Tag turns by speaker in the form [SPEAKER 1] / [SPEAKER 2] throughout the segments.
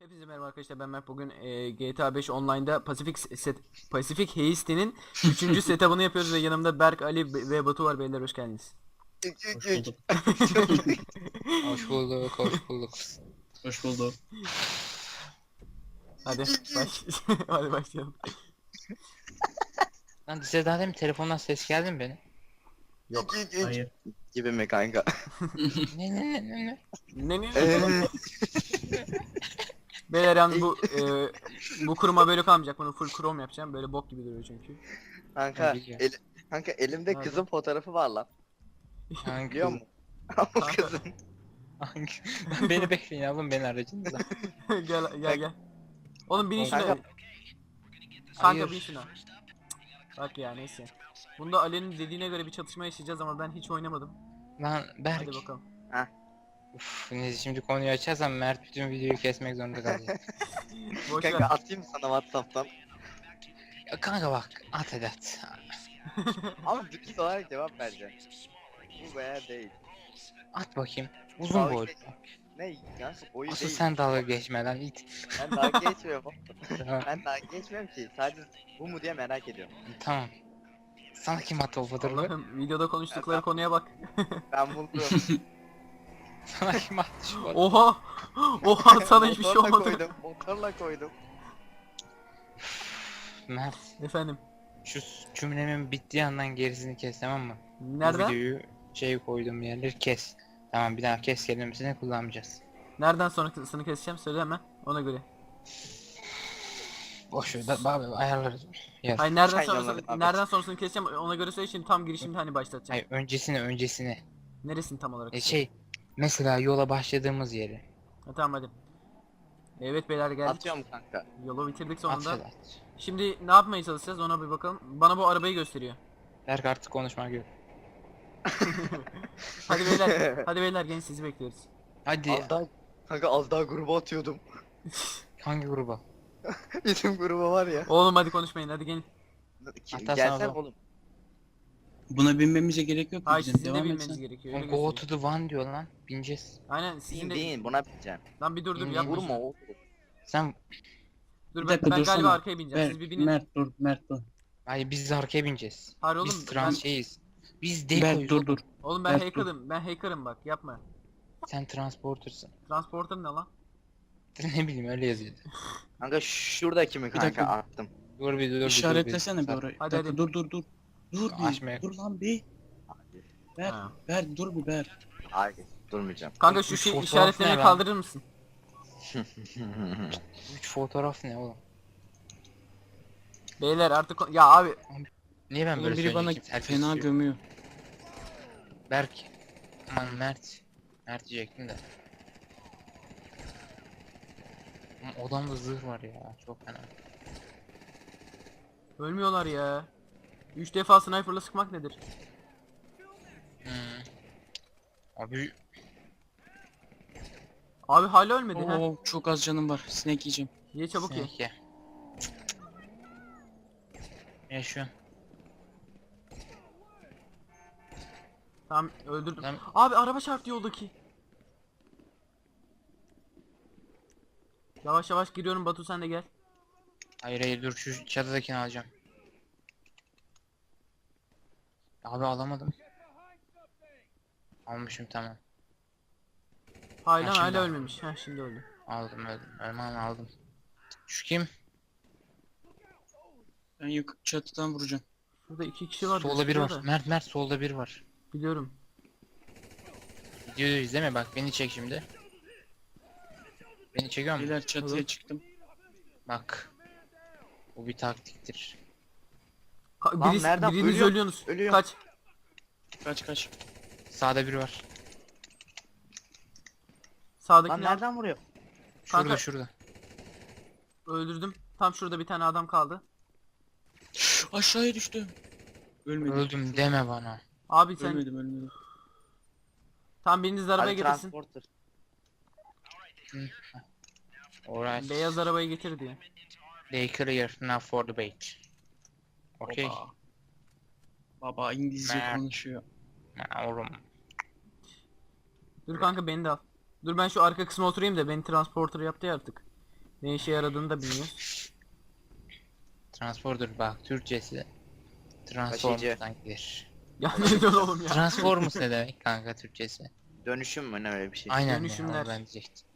[SPEAKER 1] Hepinize merhaba arkadaşlar, ben Mert. Bugün GTA 5 Online'da Pacific Heisti'nin 3. setup'ını yapıyoruz ve yanımda Berk, Ali ve Batu var. Beyler hoş geldiniz.
[SPEAKER 2] Hoş bulduk.
[SPEAKER 3] Hoş bulduk, hoş bulduk.
[SPEAKER 2] Hoş bulduk.
[SPEAKER 1] Hadi hadi başlayalım.
[SPEAKER 3] Lan size daha demin telefondan ses geldi mi benim?
[SPEAKER 1] Yok.
[SPEAKER 2] Hayır.
[SPEAKER 4] Gibi mi kanka?
[SPEAKER 3] Ne?
[SPEAKER 1] Ne? Beyler yalnız bu kuruma böyle kalmayacak. Bunu full chrome yapacağım. Böyle bok gibi duruyor çünkü.
[SPEAKER 4] Kanka,
[SPEAKER 3] Biliyorum.
[SPEAKER 4] kanka elimde
[SPEAKER 1] Nerede?
[SPEAKER 4] kızın fotoğrafı var lan.
[SPEAKER 3] Hangi
[SPEAKER 4] Biliyor musun? O
[SPEAKER 1] Kanka.
[SPEAKER 4] kızın.
[SPEAKER 3] Hangi? Beni bekleyin alın beni aracınıza.
[SPEAKER 1] Gel. Oğlum binin şuna.
[SPEAKER 4] Kanka.
[SPEAKER 1] Kanka
[SPEAKER 3] Hayır.
[SPEAKER 1] bin şuna. Bak ya, neyse. Bunda Ali'nin dediğine göre bir çatışma yaşayacağız ama ben hiç oynamadım.
[SPEAKER 3] Lan Berk.
[SPEAKER 1] Hadi bakalım.
[SPEAKER 3] Uf, neyse şimdi konuyu açarsam Mert bütün videoyu kesmek zorunda kalacak.
[SPEAKER 1] Boş
[SPEAKER 4] Kanka
[SPEAKER 1] ver.
[SPEAKER 4] atayım sana Whatsapp'tan.
[SPEAKER 3] Ya kanka bak at hadi at.
[SPEAKER 4] Ama dürüst olarak cevap vereceğim. Bu veya değil.
[SPEAKER 3] At bakayım. Uzun
[SPEAKER 4] Dalga
[SPEAKER 3] boy.
[SPEAKER 4] geç- Ne? Kanka boyu
[SPEAKER 3] Asıl
[SPEAKER 4] değil.
[SPEAKER 3] sen dalga geçme lan it.
[SPEAKER 4] Ben dalga geçmiyorum. Ben dalga geçmiyorum ki. Sadece bu mu diye merak ediyorum.
[SPEAKER 3] Tamam. Sana kim attı o fotoğrafı?
[SPEAKER 1] Allah'ım, videoda konuştukları konuya bak.
[SPEAKER 4] Ben buldum.
[SPEAKER 3] Sana kim attı şu fotoğrafı?
[SPEAKER 1] Oha! Oha, sana hiçbir şey
[SPEAKER 4] Motorla
[SPEAKER 1] olmadı.
[SPEAKER 4] koydum. Motorla koydum.
[SPEAKER 3] Mert.
[SPEAKER 1] Efendim.
[SPEAKER 3] Şu cümlemin bittiği andan gerisini kes tamam mı? Bu
[SPEAKER 1] Nereden?
[SPEAKER 3] videoyu koyduğum yerleri kes. Tamam bir daha kes kelimesini kullanmayacağız.
[SPEAKER 1] Nereden sonrasını keseceğim, söyle hemen. Ona göre.
[SPEAKER 3] Boş ver abi ayarlarız. Yaz.
[SPEAKER 1] Hayır, nereden
[SPEAKER 4] Sen
[SPEAKER 1] sonrasını,
[SPEAKER 4] yolla abi.
[SPEAKER 1] nereden sonrasını keseceğim, ona göre söyle. Şimdi tam girişimde hani başlatacağım.
[SPEAKER 3] Hayır öncesini.
[SPEAKER 1] Neresini tam olarak?
[SPEAKER 3] Mesela yola başladığımız yeri.
[SPEAKER 1] Tamam hadi. Evet beyler, geldik.
[SPEAKER 4] Atıyorum kanka.
[SPEAKER 1] Yolu bitirdik
[SPEAKER 3] At
[SPEAKER 1] sonunda.
[SPEAKER 3] hadi at.
[SPEAKER 1] Şimdi ne yapmaya çalışacağız, ona bir bakalım. Bana bu arabayı gösteriyor.
[SPEAKER 3] Berk artık konuşma gör.
[SPEAKER 1] Hadi beyler, hadi beyler, genç sizi bekliyoruz.
[SPEAKER 3] Hadi
[SPEAKER 4] Az daha, kanka az daha gruba atıyordum.
[SPEAKER 3] hangi gruba?
[SPEAKER 4] Bizim gruba var ya.
[SPEAKER 1] Oğlum hadi konuşmayın, hadi gelin.
[SPEAKER 3] Hatta
[SPEAKER 4] Gelsene
[SPEAKER 3] sana
[SPEAKER 4] oğlum.
[SPEAKER 2] Buna binmemize gerek yok mu
[SPEAKER 1] Hayır,
[SPEAKER 2] bizim?
[SPEAKER 1] sizin de
[SPEAKER 2] Devam
[SPEAKER 1] bilmeniz
[SPEAKER 2] etsen.
[SPEAKER 1] gerekiyor. Öyle
[SPEAKER 3] Go to
[SPEAKER 1] gösteriyor.
[SPEAKER 3] the one diyor lan. Bineceğiz.
[SPEAKER 1] Aynen, sizin
[SPEAKER 4] Bin
[SPEAKER 1] de.
[SPEAKER 4] bin buna bineceğim.
[SPEAKER 1] Lan bir dur
[SPEAKER 3] Bin,
[SPEAKER 1] yapma.
[SPEAKER 3] bin.
[SPEAKER 4] Vurma oğlum.
[SPEAKER 3] Sen
[SPEAKER 1] Dur,
[SPEAKER 2] Bir
[SPEAKER 1] ben
[SPEAKER 2] dakika,
[SPEAKER 1] galiba
[SPEAKER 2] dursana.
[SPEAKER 1] arkaya bineceğim. Siz bir binin.
[SPEAKER 2] Mert dur, Mert dur.
[SPEAKER 3] hayır biz arkaya bineceğiz.
[SPEAKER 1] Hayır oğlum,
[SPEAKER 3] Biz trans şeyiz. Biz
[SPEAKER 2] Mert
[SPEAKER 3] dekoyuz.
[SPEAKER 2] dur.
[SPEAKER 1] Oğlum ben
[SPEAKER 2] Mert, dur.
[SPEAKER 1] hacker'ım. Ben hacker'ım, bak yapma.
[SPEAKER 3] Sen transportersın.
[SPEAKER 1] Transporter ne lan?
[SPEAKER 3] Ne bileyim öyle yazıyordu.
[SPEAKER 4] Kanka şuradaki mi
[SPEAKER 2] Bir dakika.
[SPEAKER 4] kanka attım.
[SPEAKER 3] Dur bir dur.
[SPEAKER 2] İşaretlesene bir orayı.
[SPEAKER 1] Hadi,
[SPEAKER 2] Bir dakika,
[SPEAKER 1] hadi.
[SPEAKER 2] dur. Dur
[SPEAKER 3] Açmaya-
[SPEAKER 2] bir. Dur lan bir. Ver.
[SPEAKER 1] Ha.
[SPEAKER 2] Ver dur bir ver.
[SPEAKER 4] Hayır durmayacağım.
[SPEAKER 1] Kanka
[SPEAKER 3] Bu
[SPEAKER 1] şu
[SPEAKER 3] fotoğraf
[SPEAKER 1] işaretlemeyi
[SPEAKER 3] ne lan?
[SPEAKER 1] kaldırır mısın?
[SPEAKER 3] 3 fotoğraf ne oğlum?
[SPEAKER 1] Beyler artık ya abi,
[SPEAKER 3] Niye ben
[SPEAKER 2] Oğlum
[SPEAKER 3] böyle
[SPEAKER 2] biri bana
[SPEAKER 3] söyleyecektim? Herkes
[SPEAKER 2] fena
[SPEAKER 3] diyor.
[SPEAKER 2] gömüyor.
[SPEAKER 3] Berk. Aman Mert. Mert diyecektim de. Ama odamda zırh var ya. Çok fena.
[SPEAKER 1] ölmüyorlar ya. 3 defa sniper'la sıkmak nedir?
[SPEAKER 3] Hmm. Abi
[SPEAKER 1] Abi hala ölmedi ha.
[SPEAKER 2] Oo çok az canım var. Sinek yiyeceğim.
[SPEAKER 1] Ye çabuk ye.
[SPEAKER 3] sinek ye. Yaşıyorsun.
[SPEAKER 1] Tamam, öldürdüm.
[SPEAKER 3] Lan-
[SPEAKER 1] Abi araba çarptı yoldaki. Yavaş yavaş giriyorum, Batu sen de gel.
[SPEAKER 3] Hayır dur şu çatıdakini alacağım. Abi alamadım. Almışım tamam.
[SPEAKER 1] Hala
[SPEAKER 3] Ha, şimdi
[SPEAKER 1] hala
[SPEAKER 3] al.
[SPEAKER 1] ölmemiş. Ha, şimdi öldü.
[SPEAKER 3] Aldım. Aman aldım. Şu kim?
[SPEAKER 2] Ben çatıdan vuracağım.
[SPEAKER 1] Şurada 2 kişi var.
[SPEAKER 3] Solda biri var.
[SPEAKER 1] gözüküyor da.
[SPEAKER 3] Mert solda biri var.
[SPEAKER 1] Biliyorum.
[SPEAKER 3] Videoyu izleme bak beni çek şimdi. Beni çekiyor musun?
[SPEAKER 2] Beyler çatıya
[SPEAKER 1] Evet.
[SPEAKER 2] çıktım.
[SPEAKER 3] Bak. Bu bir taktiktir.
[SPEAKER 4] Lan nereden?
[SPEAKER 1] Biriniz
[SPEAKER 4] Ölüyor,
[SPEAKER 1] ölüyorsunuz.
[SPEAKER 4] ölüyor.
[SPEAKER 1] Kaç.
[SPEAKER 2] Kaç.
[SPEAKER 3] Sağda biri var.
[SPEAKER 1] Sağdaki
[SPEAKER 4] Lan nereden vuruyor?
[SPEAKER 3] Şurada
[SPEAKER 1] Kanka-
[SPEAKER 3] şurada.
[SPEAKER 1] öldürdüm. Tam şurada bir tane adam kaldı.
[SPEAKER 2] Aşağıya düştüm. Ölmedim.
[SPEAKER 3] Öldüm deme bana.
[SPEAKER 1] Abi sen
[SPEAKER 2] Ölmedim.
[SPEAKER 1] tam biriniz arabaya
[SPEAKER 4] Hadi
[SPEAKER 1] getirsin.
[SPEAKER 4] transporter.
[SPEAKER 3] Alright.
[SPEAKER 1] Beyaz arabayı getir diye.
[SPEAKER 3] They clear now for the bait. Okay.
[SPEAKER 2] Baba İngilizce
[SPEAKER 3] Mert.
[SPEAKER 2] konuşuyor.
[SPEAKER 3] Oğlum.
[SPEAKER 1] Dur kanka, beni de al. Dur ben şu arka kısma oturayım da beni transporter yaptı ya artık. Ne işe yaradığını da bilmiyoruz.
[SPEAKER 3] Transporter bak Türkçesi. Transformers'tan gelir.
[SPEAKER 1] Ya ne diyorsun oğlum ya?
[SPEAKER 3] Transformers ne demek kanka Türkçesi?
[SPEAKER 4] Dönüşüm mü ne öyle bir şey.
[SPEAKER 3] Aynen
[SPEAKER 1] Dönüşümler.
[SPEAKER 3] ya, onu ben diyecektim.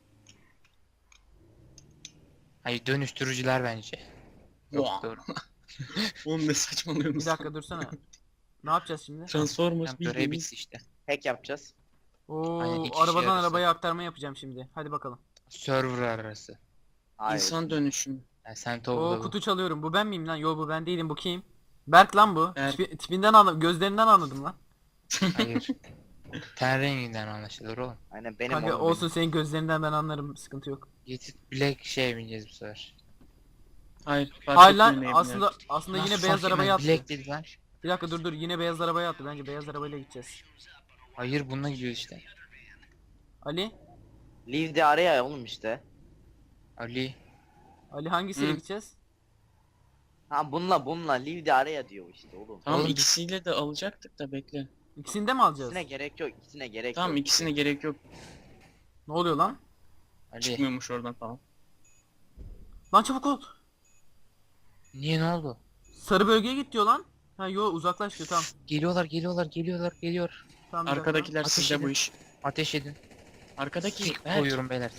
[SPEAKER 3] Hayır dönüştürücüler bence. Yok
[SPEAKER 2] Oha.
[SPEAKER 3] doğru.
[SPEAKER 2] Oğlum ne saçmalıyorsun?
[SPEAKER 1] Bir dakika dursana. Ne yapacağız şimdi?
[SPEAKER 2] Transformers
[SPEAKER 3] Tam görev
[SPEAKER 2] bildiğimiz
[SPEAKER 3] bitti işte.
[SPEAKER 4] Hack yapacağız.
[SPEAKER 3] Aynen,
[SPEAKER 1] Oo,
[SPEAKER 3] iki kişi
[SPEAKER 1] arabadan
[SPEAKER 3] yarısı.
[SPEAKER 1] arabaya aktarma yapacağım şimdi. Hadi bakalım.
[SPEAKER 3] Server arası.
[SPEAKER 4] Hayır.
[SPEAKER 2] insan dönüşümü.
[SPEAKER 3] Yani sen
[SPEAKER 1] Oo,
[SPEAKER 3] topla bu.
[SPEAKER 1] kutu çalıyorum. Bu ben miyim lan? Yo bu ben değilim. Bu kim? Berk lan bu.
[SPEAKER 2] Berk.
[SPEAKER 1] Tipinden anladım. Gözlerinden anladım lan.
[SPEAKER 3] Hayır. Ten renginden anlaşılır oğlum.
[SPEAKER 4] Aynen benim
[SPEAKER 1] Kanka
[SPEAKER 4] oğlum
[SPEAKER 1] olsun senin gözlerinden ben anlarım. Sıkıntı yok.
[SPEAKER 3] Getit Black şey bineceğiz bu sefer.
[SPEAKER 2] Hayır.
[SPEAKER 1] Hayır lan
[SPEAKER 2] etmiyor
[SPEAKER 1] aslında yine
[SPEAKER 3] Nasıl
[SPEAKER 1] beyaz
[SPEAKER 3] fark
[SPEAKER 1] arabaya
[SPEAKER 3] etmez?
[SPEAKER 1] attı.
[SPEAKER 3] Black dedi lan.
[SPEAKER 1] Bir dakika dur yine beyaz arabaya attı. Bence beyaz arabayla gideceğiz.
[SPEAKER 3] Hayır bununla gidiyor işte.
[SPEAKER 1] Ali?
[SPEAKER 4] benim. Leave the area oğlum işte.
[SPEAKER 3] Ali.
[SPEAKER 1] Ali hangisiyle
[SPEAKER 2] Hı.
[SPEAKER 1] gideceğiz?
[SPEAKER 4] Ha bununla leave the area diyor işte oğlum.
[SPEAKER 2] Tamam
[SPEAKER 3] Oğlum,
[SPEAKER 2] ikisiyle de alacaktık da bekle.
[SPEAKER 1] İkisini de mi alacağız?
[SPEAKER 4] İkisine gerek yok. İkisine gerek
[SPEAKER 2] Tamam
[SPEAKER 4] yok.
[SPEAKER 2] ikisine gerek yok.
[SPEAKER 1] Ne oluyor lan?
[SPEAKER 3] Ali.
[SPEAKER 2] Çıkmıyormuş oradan falan.
[SPEAKER 1] Lan çabuk ol.
[SPEAKER 3] Niye ne oldu?
[SPEAKER 1] Sarı bölgeye git diyor lan. Ha yo uzaklaş diyor tamam.
[SPEAKER 3] Geliyor.
[SPEAKER 1] Tamam bir dakika.
[SPEAKER 2] Arkadakiler
[SPEAKER 3] Ateş
[SPEAKER 2] sizde
[SPEAKER 3] edin.
[SPEAKER 2] bu iş.
[SPEAKER 3] Ateş edin.
[SPEAKER 2] Arkadaki
[SPEAKER 3] Sik
[SPEAKER 2] Berk.
[SPEAKER 3] koyuyorum beyler.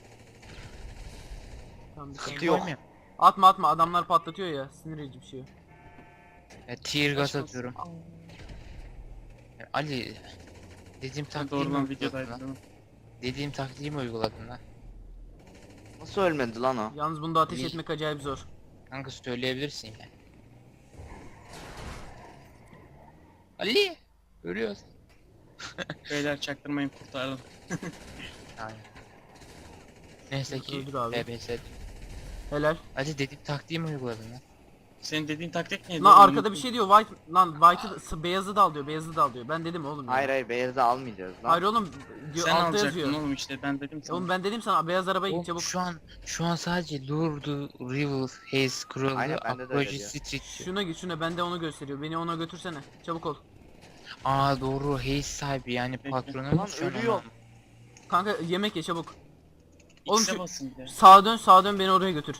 [SPEAKER 1] Tamam, bir dakika.
[SPEAKER 3] Sik
[SPEAKER 4] Yok.
[SPEAKER 3] koymuyorum.
[SPEAKER 1] Atma adamlar patlatıyor ya. Sinir edici bir şey.
[SPEAKER 3] Tear gas
[SPEAKER 2] Saçma
[SPEAKER 3] atıyorum. Ali. Dediğim
[SPEAKER 2] Sen
[SPEAKER 3] taktiği mi
[SPEAKER 2] doğrudan
[SPEAKER 3] uyguladın
[SPEAKER 2] videodaydı
[SPEAKER 3] lan?
[SPEAKER 2] değil mi?
[SPEAKER 3] Dediğim taktiği mi uyguladın lan?
[SPEAKER 4] Nasıl ölmedi lan o?
[SPEAKER 1] Yalnız bunda ateş
[SPEAKER 3] İyi.
[SPEAKER 1] etmek acayip zor.
[SPEAKER 3] Kanka söyleyebilirsin ya. Ali. Görüyoruz.
[SPEAKER 2] Beyler çaktırmayın kurtardım.
[SPEAKER 3] Aynen. Neyse ki
[SPEAKER 1] Öldür abi.
[SPEAKER 3] BBS.
[SPEAKER 1] Helal.
[SPEAKER 3] Ali dediğim taktiği mi uyguladın lan?
[SPEAKER 2] Senin dediğin taktik neydi?
[SPEAKER 1] Lan
[SPEAKER 2] oğlum?
[SPEAKER 1] arkada bir şey diyor. White'ı beyazı da al diyor. Beyazı da al diyor. Ben dedim oğlum ya.
[SPEAKER 4] Hayır beyazı almayacağız lan.
[SPEAKER 1] Hayır oğlum diyor,
[SPEAKER 2] Sen
[SPEAKER 1] altta
[SPEAKER 2] alacaktın
[SPEAKER 1] yazıyor.
[SPEAKER 2] oğlum işte ben dedim sana.
[SPEAKER 1] Oğlum ben dedim sana beyaz arabaya git
[SPEAKER 3] Oğlum,
[SPEAKER 1] çabuk.
[SPEAKER 3] şu an sadece Lurdu, Rival, Haze, Kralı,
[SPEAKER 4] Aynen, bende de öyle
[SPEAKER 3] Apology
[SPEAKER 4] diyor.
[SPEAKER 3] Street.
[SPEAKER 1] Şuna git şuna bende onu gösteriyor. Beni ona götürsene. Çabuk ol.
[SPEAKER 3] Aa doğru Haze sahibi yani
[SPEAKER 2] Peki.
[SPEAKER 3] patronu.
[SPEAKER 4] Lan
[SPEAKER 3] şu an
[SPEAKER 4] ölüyor.
[SPEAKER 3] onu-
[SPEAKER 1] Kanka yemek ye çabuk. Oğlum
[SPEAKER 2] X'e
[SPEAKER 1] şu-
[SPEAKER 2] basın bir de.
[SPEAKER 1] Sağa dön beni oraya götür.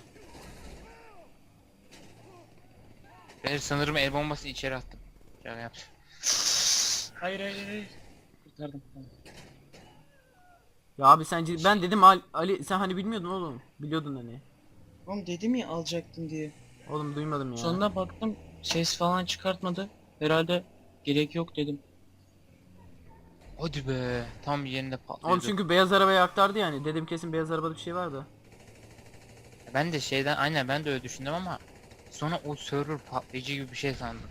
[SPEAKER 3] Ben sanırım el bombasını içeri attım. Şaka yap.
[SPEAKER 2] Hayır. Kurtardım. Tamam.
[SPEAKER 1] Ya abi ben dedim Ali sen hani bilmiyordun oğlum. Biliyordun hani.
[SPEAKER 2] Oğlum dedim ya alacaktın diye.
[SPEAKER 1] Oğlum duymadım ya.
[SPEAKER 2] Sonra baktım ses falan çıkartmadı. Herhalde gerek yok dedim.
[SPEAKER 3] Hadi be tam yerinde patlıyordu.
[SPEAKER 1] Oğlum çünkü beyaz arabaya aktardı yani. Dedim kesin beyaz arabada bir şey vardı.
[SPEAKER 3] Ben de şeyden aynen ben de öyle düşündüm ama sonra o server patlayıcı gibi bir şey sandım.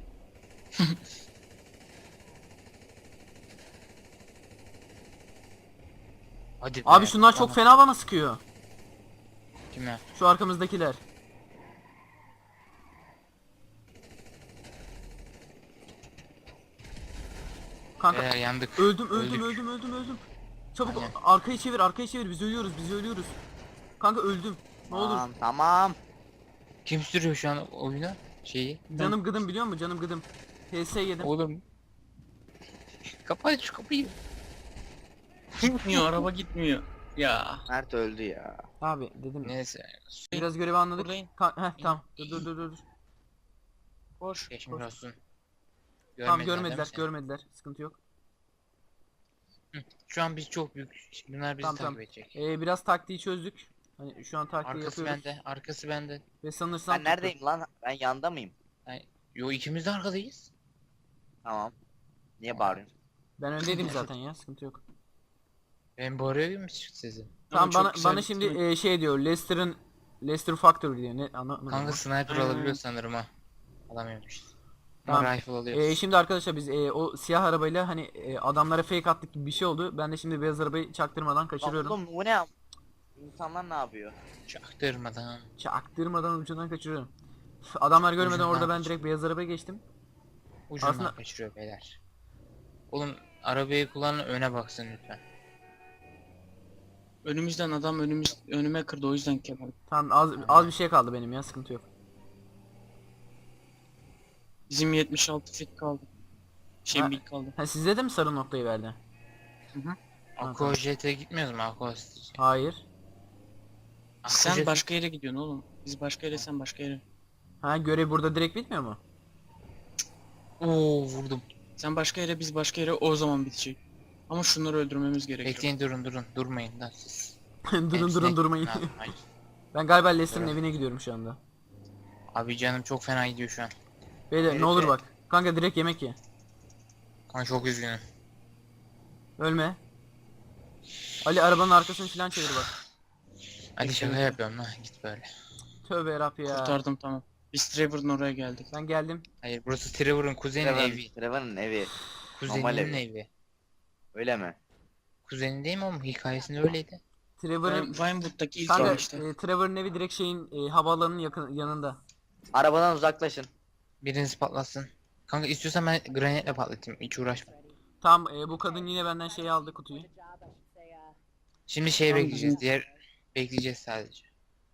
[SPEAKER 3] Hadi be.
[SPEAKER 1] Abi şunlar çok
[SPEAKER 3] tamam.
[SPEAKER 1] fena bana sıkıyor.
[SPEAKER 3] Kime?
[SPEAKER 1] Şu arkamızdakiler. Kanka
[SPEAKER 3] Beyler yandık.
[SPEAKER 1] öldüm. Çabuk
[SPEAKER 3] Aynen.
[SPEAKER 1] arkayı çevir biz ölüyoruz. Kanka öldüm. Ne olur.
[SPEAKER 4] Tamam.
[SPEAKER 3] Kim sürüyor şu an oyunu? Şeyi.
[SPEAKER 1] Canım gıdım biliyor musun? Canım gıdım. HS yedim.
[SPEAKER 3] Oğlum. Kapat şu kapıyı.
[SPEAKER 2] Gitmiyor araba gitmiyor. Ya.
[SPEAKER 4] Mert öldü ya.
[SPEAKER 1] Abi dedim.
[SPEAKER 3] Neyse.
[SPEAKER 1] Biraz görevi anladık.
[SPEAKER 2] Buradayım.
[SPEAKER 1] Tamam. Dur.
[SPEAKER 2] Koş.
[SPEAKER 3] Geçmiş olsun.
[SPEAKER 1] Tamam
[SPEAKER 3] Görmediler değil mi
[SPEAKER 1] görmediler,
[SPEAKER 3] seni?
[SPEAKER 1] görmediler. Sıkıntı yok.
[SPEAKER 3] Şu an biz çok büyük. Bunlar bizi
[SPEAKER 1] Tamam.
[SPEAKER 3] takip edecek.
[SPEAKER 1] Biraz taktiği çözdük. Hani şu an taktiği
[SPEAKER 3] Arkası
[SPEAKER 1] yapıyoruz.
[SPEAKER 3] bende. Arkası bende.
[SPEAKER 1] Ve sanırsam
[SPEAKER 4] Ben neredeyim lan? Ben yanda mıyım?
[SPEAKER 3] Yo ikimiz de arkadayız.
[SPEAKER 4] Tamam. Niye bağırıyorsun?
[SPEAKER 1] Ben öndeydim zaten ya. Sıkıntı yok.
[SPEAKER 3] Ben bu araya mı çıktı sizin?
[SPEAKER 1] Tamam
[SPEAKER 2] çok
[SPEAKER 1] bana
[SPEAKER 2] güzel
[SPEAKER 1] şimdi
[SPEAKER 2] bitirme.
[SPEAKER 1] şey diyor. Leicester Factory diyor. Ne anlamadım.
[SPEAKER 3] Kanka sniper
[SPEAKER 2] Aynen.
[SPEAKER 3] alabiliyor sanırım ha. Alamıyormuş.
[SPEAKER 1] Tamam.
[SPEAKER 3] Ama rifle alıyoruz.
[SPEAKER 1] Şimdi arkadaşlar biz o siyah arabayla hani adamlara fake attık gibi bir şey oldu. Ben de şimdi beyaz arabayı çaktırmadan
[SPEAKER 4] Lan
[SPEAKER 1] kaçırıyorum.
[SPEAKER 4] oğlum bu ne? İnsanlar ne yapıyor?
[SPEAKER 3] Çaktırmadan.
[SPEAKER 1] Çaktırmadan ucundan kaçırıyorum. Adamlar görmeden
[SPEAKER 3] Ucundan
[SPEAKER 1] orada ben
[SPEAKER 3] kaçır.
[SPEAKER 1] direkt beyaz arabaya geçtim.
[SPEAKER 3] Ucundan
[SPEAKER 1] Aslında-
[SPEAKER 3] kaçırıyor beyler. Oğlum arabayı kullanan öne baksın lütfen.
[SPEAKER 2] Önümüzden adam önüme kırdı o yüzden kemer.
[SPEAKER 1] Tamam az bir şey kaldı benim ya sıkıntı yok.
[SPEAKER 2] Bizim 76 fit kaldı. Şey
[SPEAKER 1] Ha.
[SPEAKER 2] mil kaldı.
[SPEAKER 1] Ha sizde de mi sarı noktayı verdi?
[SPEAKER 2] Hı hı.
[SPEAKER 3] Aqua JT gitmiyoruz mu Aqua City?
[SPEAKER 1] Hayır.
[SPEAKER 2] Sen başka yere gidiyorsun oğlum. Biz başka yere, sen başka yere.
[SPEAKER 1] Ha, görev burada direkt bitmiyor mu?
[SPEAKER 3] Oo vurdum.
[SPEAKER 2] Sen başka yere, biz başka yere, o zaman bitecek. Ama şunları öldürmemiz gerekiyor.
[SPEAKER 3] Bekleyin, durun. Durmayın lan siz.
[SPEAKER 1] Durun durmayın.
[SPEAKER 3] Ha, hayır.
[SPEAKER 1] Ben galiba Lester'ın
[SPEAKER 3] Durun.
[SPEAKER 1] evine gidiyorum şu anda.
[SPEAKER 3] Abi canım çok fena gidiyor şu an.
[SPEAKER 1] Beyler ne
[SPEAKER 4] Herife-
[SPEAKER 1] olur bak. Kanka direkt yemek ye.
[SPEAKER 3] Kanka çok üzgünüm.
[SPEAKER 1] Ölme. Ali arabanın arkasını falan çevir bak.
[SPEAKER 3] Hadi şaka yapıyorum lan, git böyle.
[SPEAKER 1] Tövbe yarabbi ya.
[SPEAKER 2] Kurtardım, tamam. Biz Trevor'ın oraya geldik.
[SPEAKER 1] Ben geldim.
[SPEAKER 3] Hayır, burası Trevor'ın kuzeninin evi.
[SPEAKER 4] Trevor'ın evi.
[SPEAKER 3] Kuzeninin
[SPEAKER 4] normal evi.
[SPEAKER 3] evi.
[SPEAKER 4] Öyle mi?
[SPEAKER 3] Kuzenin değil mi oğlum? Hikayesinde öyleydi.
[SPEAKER 1] Trevor'ın
[SPEAKER 2] Vinewood'daki ilk
[SPEAKER 1] kanka
[SPEAKER 2] ev işte.
[SPEAKER 1] Trevor'ın evi direkt havaalanının yanında.
[SPEAKER 4] Arabadan uzaklaşın.
[SPEAKER 3] Biriniz patlasın. Kanka istiyorsan ben granitle patlatayım. Hiç uğraşma.
[SPEAKER 1] Tam bu kadın yine benden aldı kutuyu.
[SPEAKER 3] Şimdi şeyi
[SPEAKER 2] Tamam,
[SPEAKER 3] bekleyeceğiz.
[SPEAKER 2] güzel.
[SPEAKER 3] Bekleyeceğiz sadece.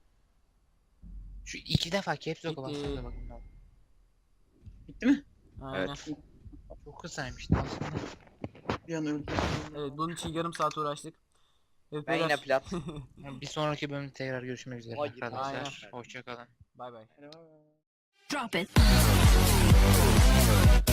[SPEAKER 3] Şu 2 defa caps lock'a
[SPEAKER 1] Bitti.
[SPEAKER 3] baksana bakın ne oldu.
[SPEAKER 2] Bitti mi?
[SPEAKER 1] Aynen.
[SPEAKER 4] Evet.
[SPEAKER 3] Çok kısaymış aslında.
[SPEAKER 2] Bir an öldüm.
[SPEAKER 1] Evet, bunun için yarım saat uğraştık. Evet,
[SPEAKER 4] Ben yine
[SPEAKER 1] beyler.
[SPEAKER 4] plat.
[SPEAKER 3] Bir sonraki bölümde tekrar görüşmek üzere
[SPEAKER 4] Hayır,
[SPEAKER 3] arkadaşlar.
[SPEAKER 4] aynen.
[SPEAKER 3] Hoşçakalın.
[SPEAKER 1] Bay bay.
[SPEAKER 2] Hello.
[SPEAKER 5] Drop it.